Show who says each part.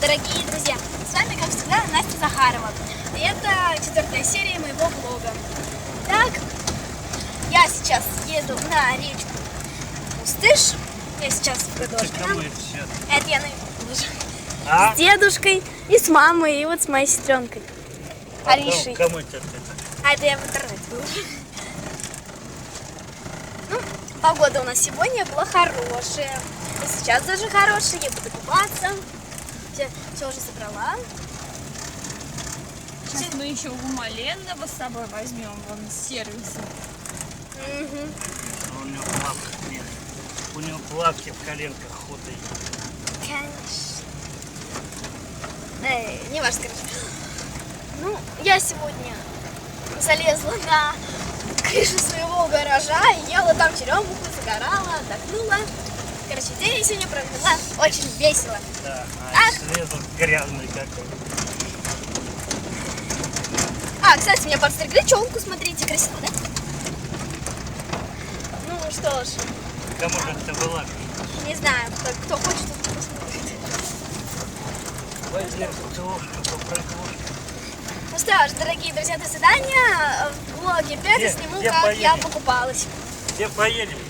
Speaker 1: дорогие друзья! С вами, как всегда, Настя Захарова. И это 4-я серия моего влога. Так, я сейчас еду на речку Пустыш. Я сейчас в Гадошкино. Это я на с дедушкой и с мамой, и вот с моей сестренкой. Аришей.
Speaker 2: Кому это?
Speaker 1: А это я в интернете выложу. Ну, погода у нас сегодня была хорошая. И сейчас даже хорошая. Я буду купаться. Все уже собрала.
Speaker 3: Сейчас мы еще Гумаленного с собой возьмем, вон с сервиса.
Speaker 1: Угу.
Speaker 2: У него плавки нет. У него плавки в коленках худые.
Speaker 1: Конечно. Не важно, короче. Ну, я сегодня залезла на крышу своего гаража и ела там черемуху, загорала, отдохнула. Короче, день я сегодня провела очень весело.
Speaker 2: Да,
Speaker 1: Ах.
Speaker 2: слезал грязный какой.
Speaker 1: Кстати, меня подстригли челку, смотрите, красиво, да? Ну что ж,
Speaker 2: Кому же это была?
Speaker 1: не знаю, кто хочет, тот посмотрит.
Speaker 2: Возьми картошку, попрыгнешь.
Speaker 1: Ну что ж, дорогие друзья, до свидания. В влоге 5
Speaker 2: Где-
Speaker 1: сниму,
Speaker 2: где
Speaker 1: как я
Speaker 2: поедем?
Speaker 1: покупалась.
Speaker 2: Где поедем?